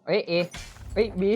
เอ้ยเอเอ้ยบี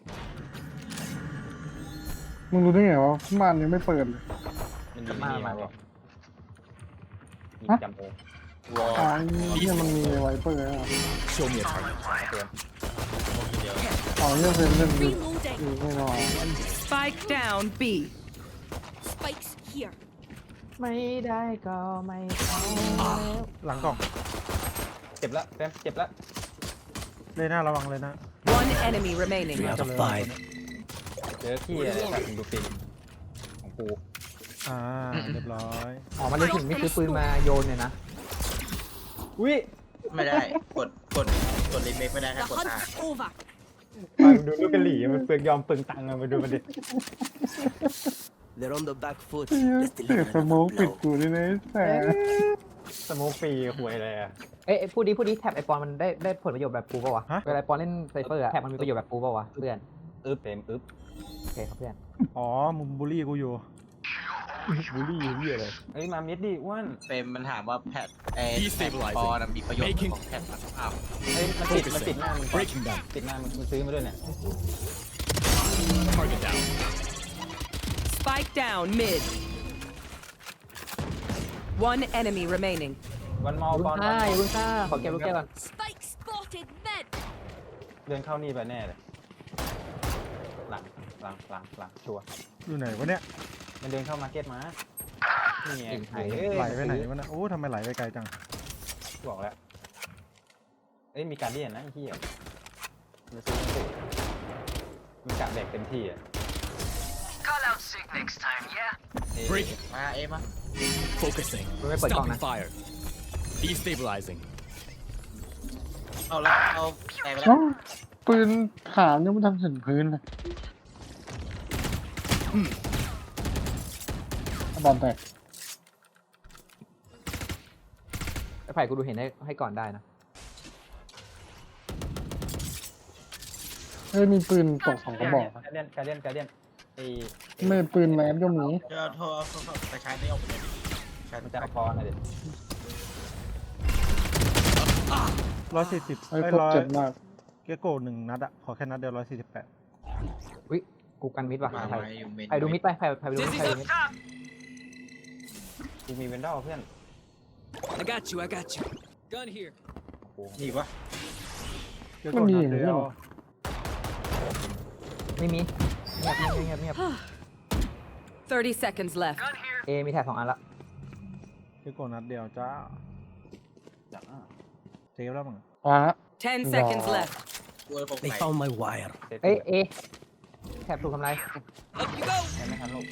มึงรู้ได้ไงวะม่านยังไม่เปิดเลยมันยิงมานี่มามาเลยยิงจำโอวอลอ๋อเนี่ยมันมีไวเปอร์อ่ะ Show me a target. เตรียมเดียวอ๋อเนี่ยเป็นเล่นดี Reloading. แน่นอน Spike down B. Spikes here. ไม่ได้ก็ไม่เอาหลังกล่องเจ็บละแป๊บเจ็บละเลยหน้าระวังเลยนะ One enemy remaining. 3 out of 5. เจอที่อะไรแบบดูฟินของกูเรียบร้อยอ๋อมันเลยถึงไม่ซื้อปืนมาโยนเนี่ยนะอุ้ยไม่ได้กดรีเมคไม่ได้ The ถ้ากด hunt อา is over. ไปดูลูกกะหรี่มันเปลืองยอมเปลืองตังค์อะมาดูมันดิ They're on the back foot. เสียสโมกปิดกูนี่นะแต่สโมกฟรีหวยอะไรอะเอ้ยพูดดิแท็บไอปอนมันได้ผลประโยชน์แบบกูป่าวะเวลาไอปอนเล่นไซเฟอร์อะแท็บมันมีประโยชน์แบบกูป่าวะเพื่อนอึ๊บเต็มอึ๊บโอเคครับเพื่อนอ๋อมึงบูลลี่กูอยู่บูลลี่เหี้ยเลยเอ้ยมามิดดิอ้วนเฟรมมันถามว่าแพทไอ้ Destabilizing ปอนะมีประโยชน์ Making ของแพทอ้าวเอ้ยมันติดหน้ามึง Breaking them. ติดหน้ามึงซื้อมาด้วยเนี่ย Target down. Spike down mid. One enemy remaining. วันมอลุงบอลค่าอย่าลุงค่าขอเก็บลูกแก้วก่อน Spike spotted mid. เดินเข้านี่ไปแน่เลยหลังชัวร์อยู่ไหนวะเนี่ยมันเดินเข้ามาร์เก็ตมานี่ไงไหลไปไหนวะนะโอ้ทำไมไหลไปไกลจังบอกแล้วเอ้ยมีการเดียนนะไอ้เหี้ยมันซื้อสุดมันกะแดกเต็มที่อ่ะ Break. มาเอมา Focusing. Wait, wait, Stopping wait. fire. Destabilizing. เอาละเอาแตกไปแล้เอ้าว ปืนขามยังไม่ทำถึงพื้นเลยบอลแตกไอไผ่กูดูเห็นให้ก่อนได้นะเฮ้ยมีปืนตก2กระบอกการเดียนไอ้ไม่ปืนแมสก็มีเดี๋ยวโทรไปใช้ไม่ออกไปเลยใช้มันจะจะเอาพอนะเด็ด 140 ไอ้พวกเจ็บมากเกโก้1 นัดอะขอแค่นัดเดียว148 วิกูกันมิดว่ะมาไผ่อยู่เมนไผ่ดูมิดไปไผ่ดูมิดไผ่ดูมิดกูมีเวนดอลเพื่อน I got you. I got you. Gun here. นี่วะเกโก้นัดเดียวไม่มีเงียบ 30 seconds left. เอมีแท็บ2 อันละเกโก้นัดเดียวจ้าเซฟแล้วมั้งว้า 10 seconds left. กลัวผม They ไหล found my wire. เอ้ยเอแท็บถูกทำลาย Up you go. แค่ไม่ทันลูก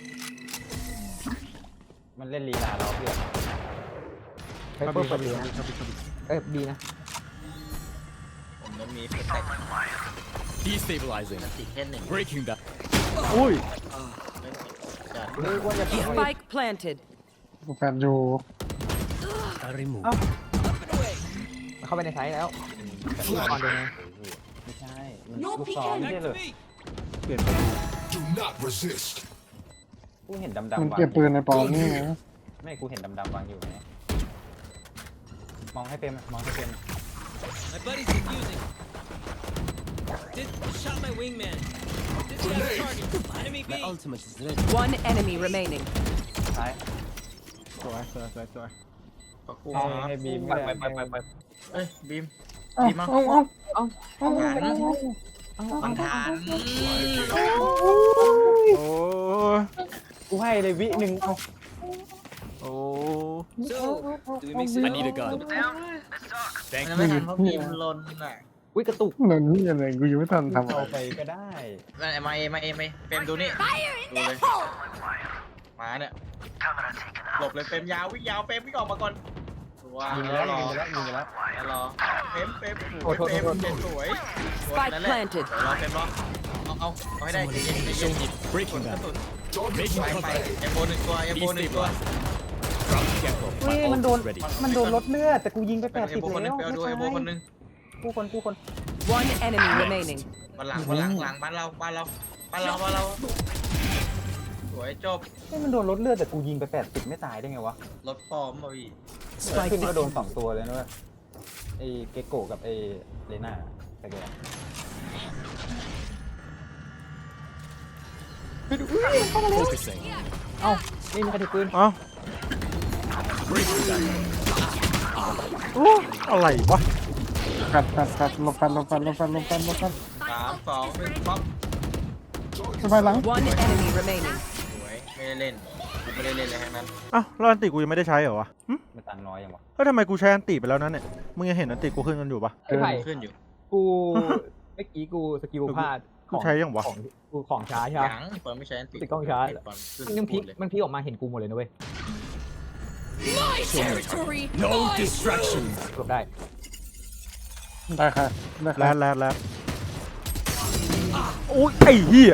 มันเล่นลีลาเราเพื่อนไซเฟอร์เปิดดีนะเอ้ยดีนะผมต้องมีเฟรม Destabilizing. ติดแค่หนึ่ง Breaking them. อุ้ยไม่ติดจัดเฮ้ยอ้วนจะเปิด Spike planted. แฟนอยู่ I remove. มันเข้าไปในไซส์แล้วก่อนเดินไงไม่ใช่มันลูกซ้อมไม่ใช่เลยเปลี่ยนไป Do not resist. กูเห็นมันดำๆวางเก็บปืนในปอนนี่นะไม่กูเห็นดำๆวางอยู่ไงมองให้เป็นมองให้เป็น My buddy's defusing. Shot my wingman. Didn't have a target. Enemy B. My ultimate is ready. One enemy remaining. ซ้ายสวยขอกูให้บีมไปไม่ได้ไปเอ้ยบีมเอ้าบีมมาเอ้ามันทานโอ้กูให้เลยวิหนึ่งเอาโอ้ So, do we mix it I up? need a gun. มัน Thank ไม่ you. ทันเพราะบีมลนอ่ะวิกระตุกเหมือนนี่อะไรกูยังไม่ทันทำอะเอาไรไปก็ได้มาเฟรมดูนี่ Fire in ดู the เลย hole. มาเนี่ยหลบเลยเฟรมยาววิ่งยาวเฟรมวิ่งออกมาก่อนว้าวยิงไปแล้แล้ว วรอยิงไปแล้วยิงไปแล้วแล้วรอเฟรมเฟรมโอ้โทษเฟรมโทษเฟรมสวย Spike นั่นแหละ planted รอเฟรมรอเอาให้ได้เย็นๆ Show me. Breaking กระ them. สุน Making ไป contact. เอโบหนึ่งตัวเอโบหนึ่งตัว Drop the gecko. เฮ้ย My มันโดน ult is ready. มันโดนลดเลือดแต่กูยิงไปเอ 80 โบคนหนึแล้งวไปเอาดูเอโบคนหนึงกูคน One enemy remaining. หลังบ้านเราสวยจบเฮ้ยมันโดนลดเลือดแต่กูยิงไป80ไม่ตายได้ไงวะรถปลอมมาพี่ขึ้นก็โดน2ตัวเลยนะเว้ยไอ้เกโกะกับไอ้เลน่าแต่แก Focusing. เอ้าไม่มีใครถือปืนเอ้าโอ้อะไรวะกัดลบกัน 3 2 1ป๊อปสบายหลัง One enemy remaining. สวยไม่ได้เล่นกูไม่ได้เล่นเลยทั้งนั้นอ้าวแล้วอันติกูยังไม่ได้ใช้เหรอวะหึมันตังค์น้อยยังวะเฮ้ยทำไมกูใช้อันติไปแล้วนั้นเนี่ยมึงยังเห็นอันติกูขึ้นกันอยู่ปะพี่ไผ่ขึ้นอยู่กูเมื่อกี้กูสกิลพลาดกูใช้ยังวะของกูของช้าใช่ไหมยังปอนไม่ใช้อันติติดกล้องชาร์จปอนขึ้นมันยังพลิกเลยมันพลิกออกมาเห็นกูหมดเลยนะเว้ย My territory. No My distractions. เกือบได้ได้ค่ะได้แลค่ะดโอ้ยไอ้เหี้ย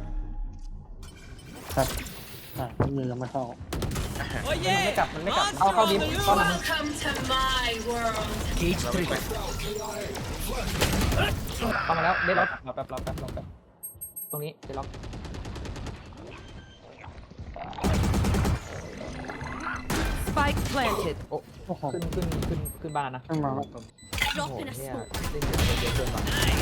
ครับยังไม่เข้า Oh yeah. ไม่กลับมันไม่กลับเอาเข้าดิฟเข้ามา Welcome to my world. Cage trigger. เข้ามาแล้วเด็ดล็อกรอแป๊บตรงนี้เด็ดล็อก Spike planted. โอ้โอ้โหขึ้นบ้านแล้วนะขึ้นมาแล้วโอ้ Drop โห in a เนี่ย smoke. เล่นเยอะเกินว่ะ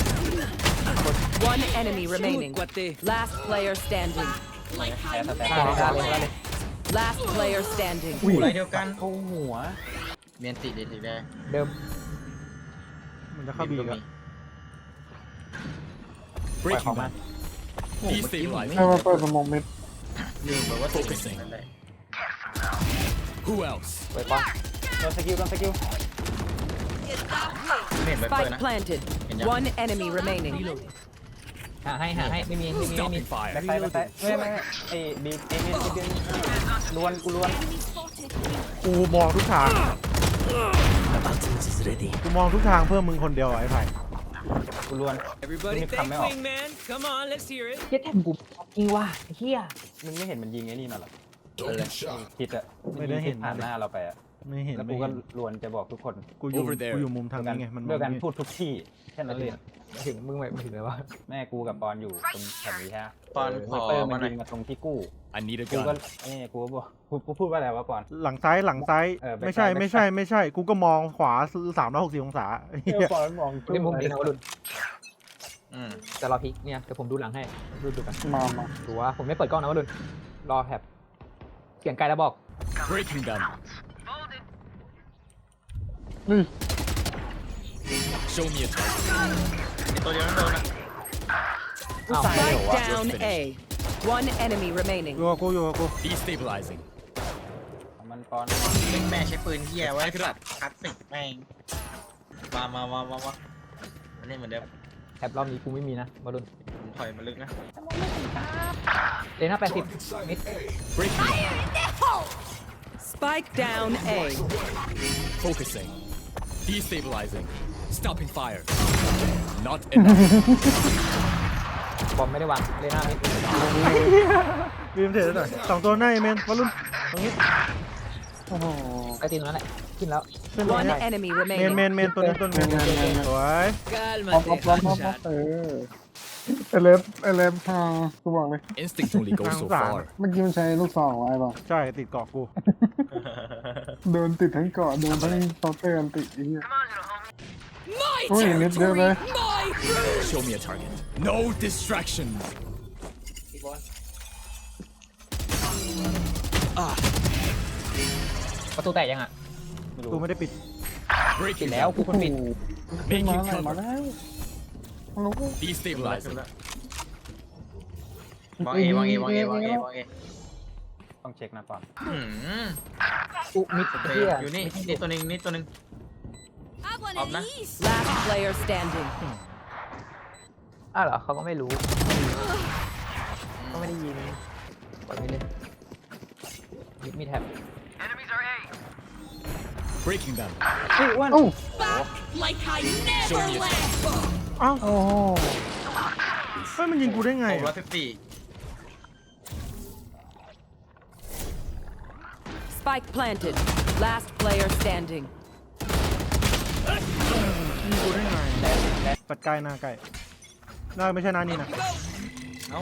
One enemy Shoot, remaining. Guate. Last player standing. Like แพ้ I'm สแต็กได้เลย Last player standing. กูไรเดียวกันเข้าหัวเมียนติดีได้เดิมมันจะเข้าบีก็กันมีปล่อยของมา Destabilizing. ให้มาเปิดสมองมิดลืมไปว่า Focusing. นั่นได้ Who else? ไว้ป้อนโดนสกิลไม่เห็นไปเปิด Spike นะ planted. One enemy remaining. หาให้ไม่มี Stopping fire. แบ็คไซด์ไม่ไอ้บีเอเมนเบียนล้วน enemy spotted. กูมองทุกทาง is ready. กูมองทุกทางเพื่อมึงคนเดียวอะไอ้ไผ่กูล้วน Everybody Let me thank come out. Wingman. Come on, let's hear it. เฮียแทมกูจริงว่ะเฮียมึงไม่เห็นมันยิงไอ้นี่มาหรอ Don't get shot. คิดอะไม่ได้เห็นผ่านหน้าเราไปอะไม่เห็นแล้วไม่กูก็เห็นล้วนจะบอกทุกคนกูอยู่ Over there กูอยู่มุมทางนี้ไงมันมเรื่ออง งการนี่พูดทุกที่แค่นั้นเลยถึงมึงไม่ถึงเลยว่าแม่กูกับปอนอยู่ตรงแถวนี้ฮะปอนขอเปอร์มามันหน่อยยิงมาตรงที่กู้ I need a กูก็ gun. กูก็บอกกูพูดว่าอะไรวะปอนหลังซ้ายไม่ใช่กูก็มองขวา360องศาเหี้ยปอนมองเล่นมุมดีนะวะดุนอืมแต่รอพลิกเนี่ยเดี๋ยวผมดูหลังให้ดูกันมาดูว่าผมไม่เปิดกล้องนะวะดุนรอแถบเสียงไกลแล้วบอก Breaking them. นี่ Show me a target. ไอ้ตัวเดียวนั่นโดนนะอ้าว Spike down A. One enemy remaining. อยู่กับกู Destabilizing. มันปอนเล่นแม่ใช้ปืนเฮียไว้ครับคลาสสิกแม่งมามันเล่นเหมือนเดิมแถบรอบนี้กูไม่มีนะวะดุนผมถอยมาลึกนะเลน่า80มิด Breaking them. Spike down A. Focusing. Destabilizing. Stopping fire. Not enough. บอมไม่ได้วางเลน่ามิดบีมเทรดหน่อย2ตัวหน้าเมนวอลลุ่นตรงนี้โอ้โหไอตีนตรงนั้นแหละขึ้นแล้วขึ้นตรง One นี้ enemy เม remaining. นตัวนี้สวยป๊อป Calmate, ป๊อป hotshot. เอเลฟค่ะกูบอกเลย Instinct only goes so far. เมื่อกี้มันใช้ลูกซองไว้ป่ะใช่ติดเกาะกูโดนติดทั้งเกาะโดนทั้งซอฟต์แวร์ติดไอ้เหี้ย My โอ้ยนิดเดียวเลย My Show me a target. No distractions. ประตูแตกยังอ่ะกูไม่ได้ปิดปิด Breaking แล้ว them. กูคนปิดขึ้น Making มาอะไรมา cover. แล้วรู้ Destabilizing. วางเอต้องเช็คนะปอนอุมิดโอเคเฮียอยู่นี่ตัวหนึง I want Up an na. ease. Last player standing. อ้าวเหรอเขาก็ไม่รู้ก็ไม่ได้ยินปล่อยไม่เล่นมีแท็บ Breaking them. โอ้ Back like I Show never me a left. อ้าวโอ้โหเฮ้ยมันยิงกูได้ไง 614 Spike planted. Last player standing. ปัดใกล้หน้าใกล้หน้าไม่ใช่หน้านี่นะเอ้า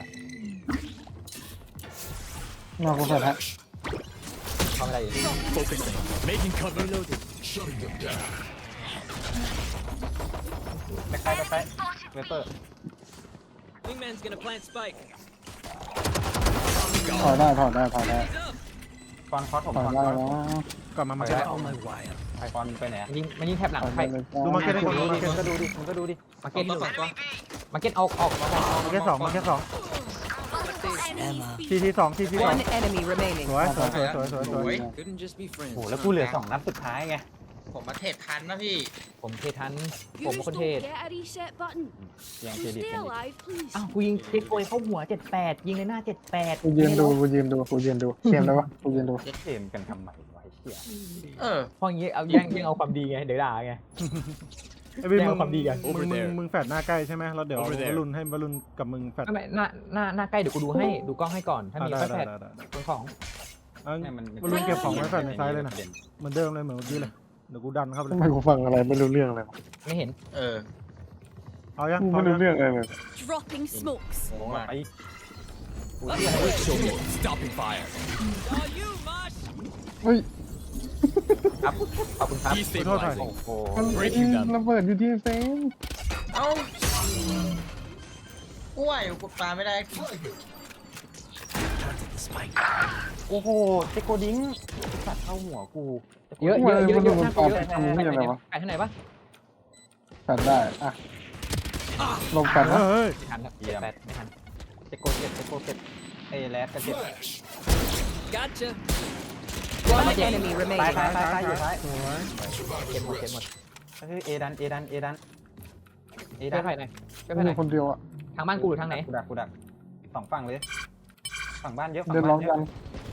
มากูใส่แท็บเขาไม่ได้อยู่ Focusing. Making cover. Shutting them down. แบ็คไซด์เวเปอร์ Wingman's gonna plant spike. ถอยได้ถอยได้ถอยได้ He's up. ฟอนคอสผมถอยฟอนได้คอสแล้วกลับมามาไปเก็ตแล้ว On my wire. ไอฟอนไปไหนอะมันยิงแทบหลังถอยใครได้เลยดูมาเก็ตให้ดูคนดูดิมาเก็ตมึงก็ดูดิมึงก็ดูดิมาเก็เก็ตตตัวตัวมาเก็ตออกมาเก็ตสองมาเก็ตสอง Enemy ทีทีสองทีทีสอง One enemy remaining. สวยสวยสวยสวยสวยสวย Couldn't just be โอ้ friends. โหแล้วกูเหลือ2 นัดสุดท้ายไงผมมาเทรดทันนะพี่ผมเททัน You ผมเป็นคนเท don't ศ get a reset button. ยังเค So รดิต stay กันดิ alive, please. อ้าวกูยิงเทคโกยเข้าหัว78ยิงในหน้า78 กูยืนดูกูยืนดูกูยืนดูเกมได้ปะกูยืนดูเย็ดเกมกันทำไมวะไอ้เหี้ยพออย่างงี้เอาแย่งเอาความดีไงเดี๋ยวด่าไงไอ้พี่แย่งมึงความดีกันมึงแฟดหน้าใกล้ใช่ไหมแล้วเดี๋ยว Over there วรุณให้วรุณกับมึงแฟดไม่หน้าใกล้เดี๋ยวกูดูให้ดูกล้องให้ก่อนถ้ามีได้ค่อยได้แพทได้ได้เป็นของเอาเนี่ยมันวรุณเก็บของไว้แฟดในซ้ายเลยนะเหมือนเดิมเลยเหมือนเมื่อกี้เลยเดี๋ยวกูดันเข้าไปเลทำยไมกูฟังอะไรไม่รู้เรื่องเลยวะไม่เห็นเออเอายังกูพร้อไม่มรู้ยังเรื่องอะไรเลย Dropping smokes. โอ้ไป Show me. Stopping fire. All you, Mosh. เฮ้ยครับขอบคุณครับ Destabilizing. โอ้โหมัน Breaking them ระเบิดอยู่ที่เฟนเอ้าอ้วยกูปาไม่ได้พี่โอ้โหเจโกดิ้งสัตว์เข้าหัวกูเยอะน่ากลัวเยอะไปทางไหนปะแฟดได้อ่ะลงแฟดนะเฮ้ยไม่ทันครับ78ไม่ทันเจโกเจ็บเจโกเจ็บไอ้แรดก็เจ็บ Flash. Gotcha. One enemy ตาย remaining. ตายตายตายอยู่ท้ายเก็บหมดเก็บหมดก็คือเอดันเอดันเอดันเอช่ดัวยนใครหน่อยช่วยใครไม่หน่มีอยคนเดียวอ่ะทางบ้านกูหรือทางไหนกูดัก2 ฝั่งเลยฝั่งบ้านเยอะฝั่งเดินร้บ้าอน งเยกัอะน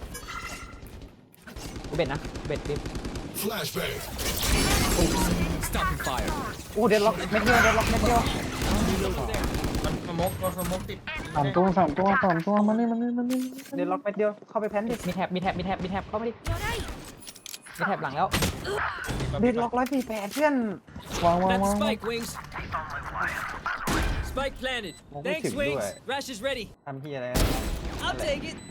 กูเบ็ดนะเบ็ดดิ Flashbang. Stopping fire. โอ้เดนล็อกเม็ดเดียวเดนล็อกเม็ดเดียวมันสมกมันสมกติดสามตัวมานี่เดนล็อกเม็ดเดียวเข้าไปแพนดิมีแท็บเข้ามาดิ You're right. มีแท็บหลังแล้วเดนล็อก148เพื่อนวาง Plant the spike, Wings. Spike planted. Well, we Thanks, should do Wings. it. Rash is ready. ทำที่อะไร I'll take it.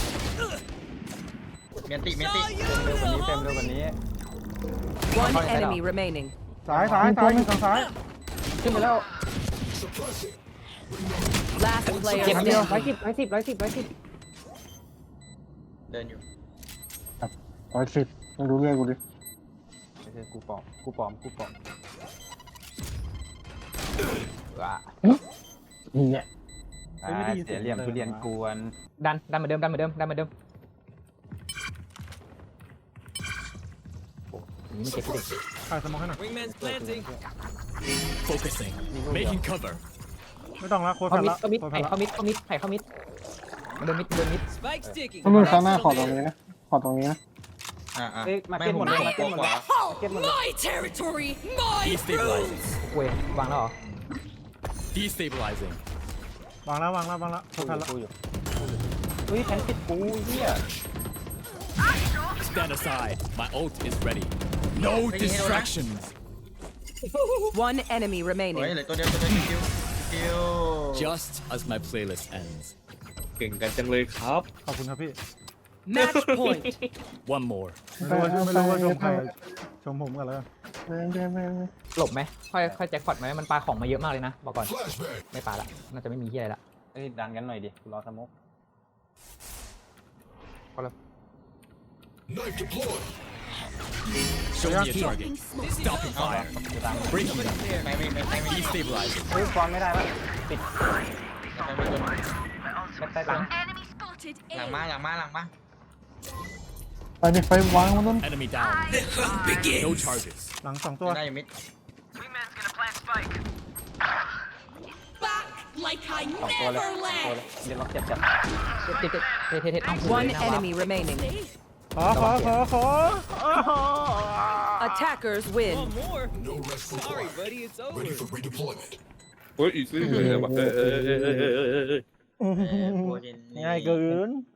เมียนติเมียน Saw ติ you. เร็วกว่านี้เต็มเร็วกว่านี้ One enemy remaining. ซ้ายอยู่ทางซ้ายขึ้นไปแล้ว Suppressing. Last player เก็บเดียว standing. 110 เดินอยู่ 110มึงดูเรื่องกูดิไม่ใช่กูปลอมว้านี่เนี่ยเสียเหลี่ยมทุเรียนกวนดันเหมือนเดิมโอ้ยมันเก็บที่เด็กใครสมองให้หน่อย Wingman's planting. Focusing. Making cover. ไม่ต้องละโค้ดเขาแฟดมิดละเขามิดโค้ดแฟไผ่ดละเขามิดไผ่เขามิดเดินมิด Spike sticking. มึงข้างหน้าขอตรงนี้นะขอตรงนี้นะอ่าเอ้ยมาเก็ตหมดเลยมาเก็ตหมดเลย My territory. My rules. Destabilizing. เว้ยวางแล้วเหรอ Destabilizing. วางแล้วโค้ดแฟดละกูอยู่เฮ้ยแพนติดกูเหี้ย Stand aside. My ult is ready. No distractions. One enemy เฮ้ย remaining. เหลือตัวเดียวคิว Just as my playlist ends. ขอบคุณครับพี่ Match point. One more. ไม่รู้ว่าชมใครชมผมกันแล้วกันหลบไหมค่อยแจ็คพอตไหมมันปาของมาเยอะมากเลยนะบอกก่อน Flashbang. ไม่ปาละน่าจะไม่มีที่อะไรละเอ้ยดันกันหน่อยดิกูรอสโมก Knife deployed. Show me a Dropping target. smoke. Stopping fire. กูตาม Breaking them. ไม่ Destabilizing. เฮ้ยฟอนไม่ได้วะปิดไม่โดนแบ็คใต้หลัง Enemy spotted. หลัง A. มาไปดิไฟวางมันต้น Enemy down. No charges. หลังสองตัวได้อยู่มิด Back like I 2 ตัวเลย never 2 ตัว left. เลยเดี๋ยวล็อกเจ็บจัดเท One enemy remaining. Stay. ขอ Attackers win. One more. No rest for Sorry, quiet. buddy. It's Ready over. for redeployment. โอ้ยง่ายเกิน